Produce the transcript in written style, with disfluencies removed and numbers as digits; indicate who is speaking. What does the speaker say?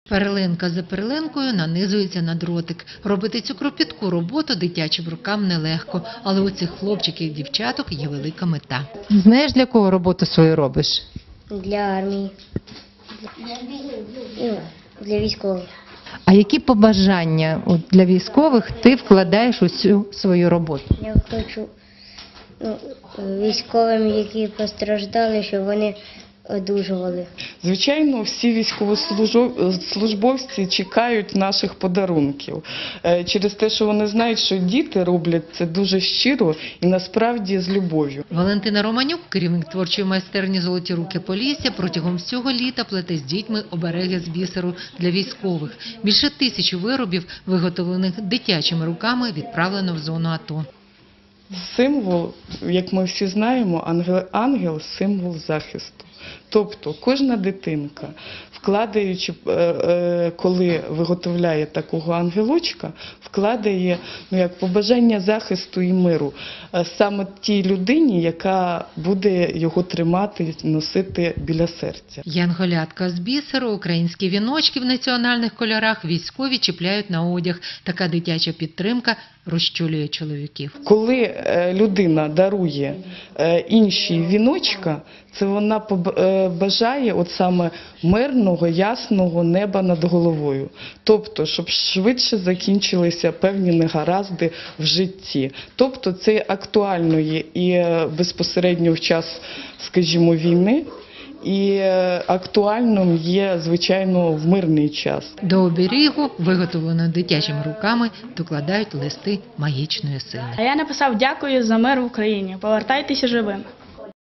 Speaker 1: Перлинка за перлинкою нанизується на дротик. Робити цю кропітку роботу дитячим рукам нелегко, але у цих хлопчиків і дівчаток є велика мета.
Speaker 2: Знаєш, для кого роботу свою робиш?
Speaker 3: Для армії, для військових.
Speaker 2: А які побажання для військових ти вкладаєш у цю свою роботу?
Speaker 3: Я хочу військовим, які постраждали, щоб вони одужували.
Speaker 4: Звичайно, всі військовослужбовці чекають наших подарунків. Через те, що вони знають, що діти роблять це дуже щиро і насправді з любов'ю.
Speaker 1: Валентина Романюк, керівник творчої майстерні «Золоті руки Полісся», протягом всього літа плете з дітьми обереги з бісеру для військових. Більше 1000 виробів, виготовлених дитячими руками, відправлено в зону АТО.
Speaker 4: Символ, як ми всі знаємо, ангел – символ захисту. Тобто кожна дитинка, вкладаючи, коли виготовляє такого ангелочка, вкладає як побажання захисту і миру саме тій людині, яка буде його тримати, носити біля серця.
Speaker 1: Янголятка з бісеру, українські віночки в національних кольорах військові чіпляють на одяг. Така дитяча підтримка розчулює чоловіків.
Speaker 4: Коли людина дарує іншій віночка, це вона бажає от саме мирного, ясного неба над головою. Тобто, щоб швидше закінчилися певні негаразди в житті. Тобто, це актуально є і безпосередньо в час, скажімо, війни, і актуальним є, звичайно, в мирний час.
Speaker 1: До оберігу, виготовленого дитячими руками, докладають листи магічної сили.
Speaker 5: А я написав: дякую за мир в Україні, повертайтеся живими.